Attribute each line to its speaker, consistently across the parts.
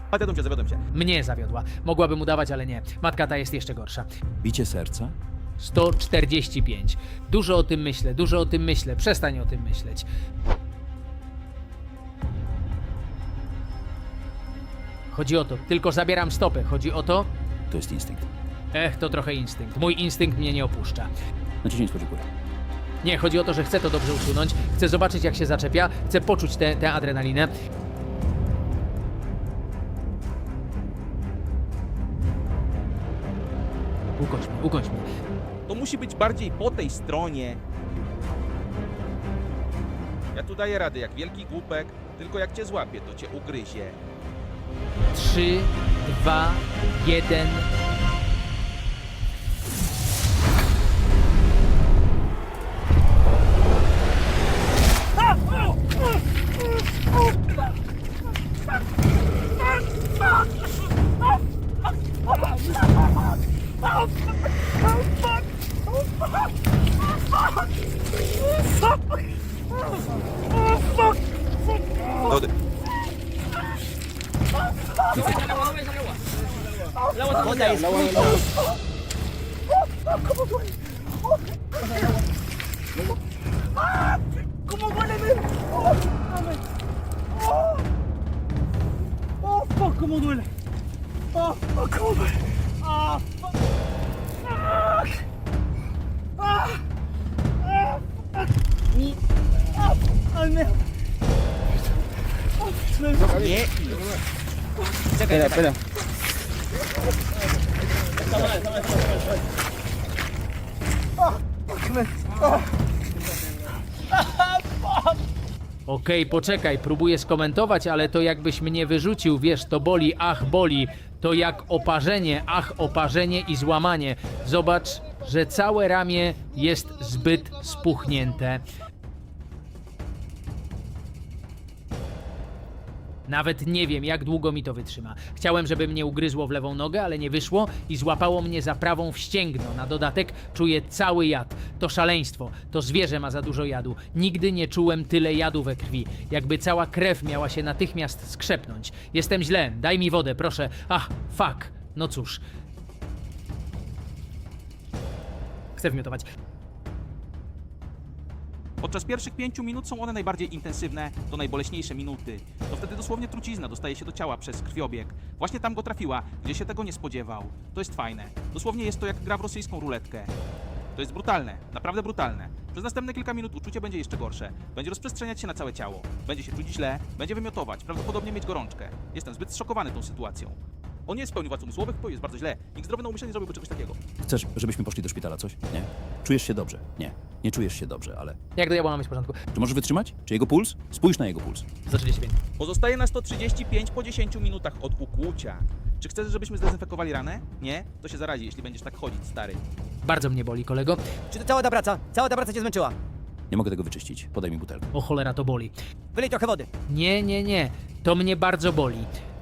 Speaker 1: Zawiodłem się.
Speaker 2: Mnie zawiodła. Mogłabym udawać, ale nie. Matka ta jest jeszcze gorsza.
Speaker 3: Bicie serca?
Speaker 2: 145. Dużo o tym myślę, dużo o tym myślę. Przestań o tym myśleć. Chodzi o to, tylko zabieram stopę. Chodzi o to...
Speaker 3: To jest instynkt.
Speaker 2: To trochę instynkt. Mój instynkt mnie nie opuszcza.
Speaker 3: Naciśnij górę.
Speaker 2: Nie, chodzi o to, że chcę to dobrze usunąć. Chcę zobaczyć, jak się zaczepia. Chcę poczuć tę adrenalinę. Ukończ mnie.
Speaker 1: To musi być bardziej po tej stronie. Ja tu daję radę jak wielki głupek, tylko jak cię złapię, to cię ugryzie.
Speaker 2: 3, 2, 1...
Speaker 1: Dody.
Speaker 4: Woda jest
Speaker 5: ¿Cómo duele? ¿Cómo duele? ¡Ay, me...
Speaker 1: Nie.
Speaker 4: Czekaj, czekaj.
Speaker 2: Okej, poczekaj, próbuję skomentować, ale to jakbyś mnie wyrzucił, wiesz, to boli, ach boli, to jak oparzenie, ach oparzenie i złamanie. Zobacz, że całe ramię jest zbyt spuchnięte. Nawet nie wiem, jak długo mi to wytrzyma. Chciałem, żeby mnie ugryzło w lewą nogę, ale nie wyszło i złapało mnie za prawą w ścięgno. Na dodatek czuję cały jad. To szaleństwo. To zwierzę ma za dużo jadu. Nigdy nie czułem tyle jadu we krwi. Jakby cała krew miała się natychmiast skrzepnąć. Jestem źle. Daj mi wodę, proszę. Ach, fuck. No cóż. Chcę wymiotować.
Speaker 1: Podczas pierwszych 5 minut są one najbardziej intensywne, to najboleśniejsze minuty. To wtedy dosłownie trucizna dostaje się do ciała przez krwiobieg. Właśnie tam go trafiła, gdzie się tego nie spodziewał. To jest fajne. Dosłownie jest to jak gra w rosyjską ruletkę. To jest brutalne, naprawdę brutalne. Przez następne kilka minut uczucie będzie jeszcze gorsze. Będzie rozprzestrzeniać się na całe ciało. Będzie się czuć źle, będzie wymiotować, prawdopodobnie mieć gorączkę. Jestem zbyt zszokowany tą sytuacją. On nie jest w pełni władz umysłowych, to jest bardzo źle. Nikt zdrowy na umyśle nie zrobiłby czegoś takiego.
Speaker 3: Chcesz, żebyśmy poszli do szpitala, coś? Nie? Czujesz się dobrze? Nie. Nie czujesz się dobrze, ale...
Speaker 2: Jak do diabła mamy w porządku?
Speaker 3: Czy możesz wytrzymać? Czy jego puls? Spójrz na jego puls.
Speaker 2: 135.
Speaker 1: Pozostaje na 135 po 10 minutach od ukłucia. Czy chcesz, żebyśmy zdezynfekowali ranę? Nie? To się zarazi, jeśli będziesz tak chodzić, stary.
Speaker 2: Bardzo mnie boli, kolego.
Speaker 4: Czy to cała ta praca? Cała ta praca cię zmęczyła?
Speaker 3: Nie mogę tego wyczyścić. Podaj mi butelkę.
Speaker 2: O cholera, to boli.
Speaker 4: Wylej trochę wody.
Speaker 2: Nie. To mnie bardzo boli.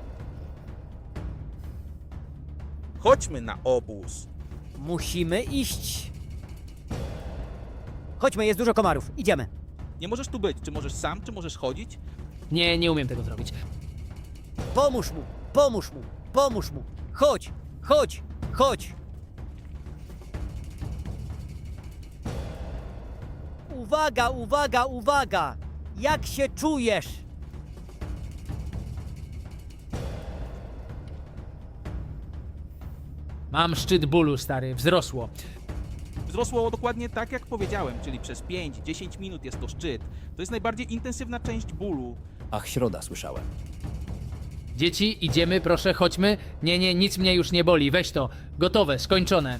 Speaker 1: Chodźmy na obóz.
Speaker 4: Musimy iść. Chodźmy, jest dużo komarów. Idziemy.
Speaker 1: Nie możesz tu być. Czy możesz sam, czy możesz chodzić?
Speaker 2: Nie umiem tego zrobić.
Speaker 4: Pomóż mu, pomóż mu, pomóż mu. Chodź, chodź, chodź. Uwaga, uwaga, uwaga. Jak się czujesz?
Speaker 2: Mam szczyt bólu, stary, wzrosło.
Speaker 1: Wzrosło dokładnie tak, jak powiedziałem, czyli przez 5-10 minut jest to szczyt. To jest najbardziej intensywna część bólu.
Speaker 3: Ach, środa, słyszałem.
Speaker 2: Dzieci, idziemy, proszę, chodźmy. Nie, nic mnie już nie boli, weź to. Gotowe, skończone.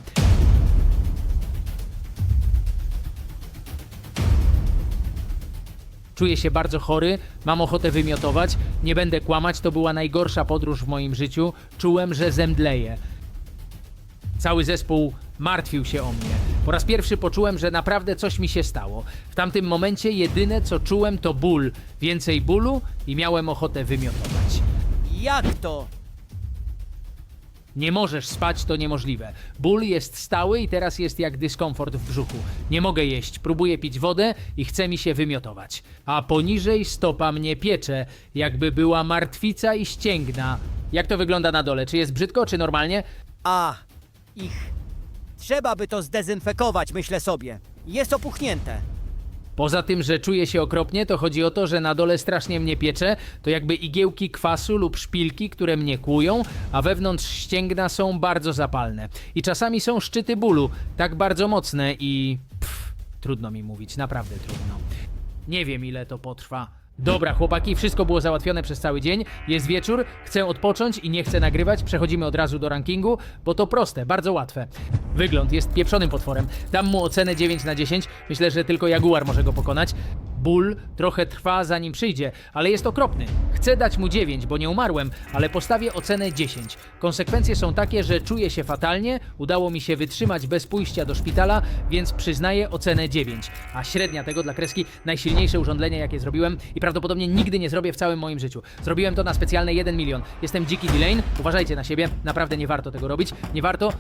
Speaker 2: Czuję się bardzo chory, mam ochotę wymiotować. Nie będę kłamać, to była najgorsza podróż w moim życiu. Czułem, że zemdleję. Cały zespół martwił się o mnie. Po raz pierwszy poczułem, że naprawdę coś mi się stało. W tamtym momencie jedyne co czułem to ból. Więcej bólu i miałem ochotę wymiotować.
Speaker 4: Jak to?
Speaker 2: Nie możesz spać, to niemożliwe. Ból jest stały i teraz jest jak dyskomfort w brzuchu. Nie mogę jeść, próbuję pić wodę i chce mi się wymiotować. A poniżej stopa mnie piecze, jakby była martwica i ścięgna. Jak to wygląda na dole? Czy jest brzydko, czy normalnie?
Speaker 4: Trzeba by to zdezynfekować, myślę sobie. Jest opuchnięte.
Speaker 2: Poza tym, że czuję się okropnie, to chodzi o to, że na dole strasznie mnie piecze, to jakby igiełki kwasu lub szpilki, które mnie kłują, a wewnątrz ścięgna są bardzo zapalne. I czasami są szczyty bólu, tak bardzo mocne i... trudno mi mówić, naprawdę trudno. Nie wiem, ile to potrwa. Dobra, chłopaki, wszystko było załatwione przez cały dzień. Jest wieczór, chcę odpocząć i nie chcę nagrywać. Przechodzimy od razu do rankingu, bo to proste, bardzo łatwe. Wygląd jest pieprzonym potworem. Dam mu ocenę 9 na 10. Myślę, że tylko Jaguar może go pokonać. Ból trochę trwa, zanim przyjdzie, ale jest okropny. Chcę dać mu 9, bo nie umarłem, ale postawię ocenę 10. Konsekwencje są takie, że czuję się fatalnie, udało mi się wytrzymać bez pójścia do szpitala, więc przyznaję ocenę 9. A średnia tego dla kreski najsilniejsze urządzenie, jakie zrobiłem i prawdopodobnie nigdy nie zrobię w całym moim życiu. Zrobiłem to na specjalne 1 milion. Jestem dziki Delane, uważajcie na siebie, naprawdę nie warto tego robić. Nie warto,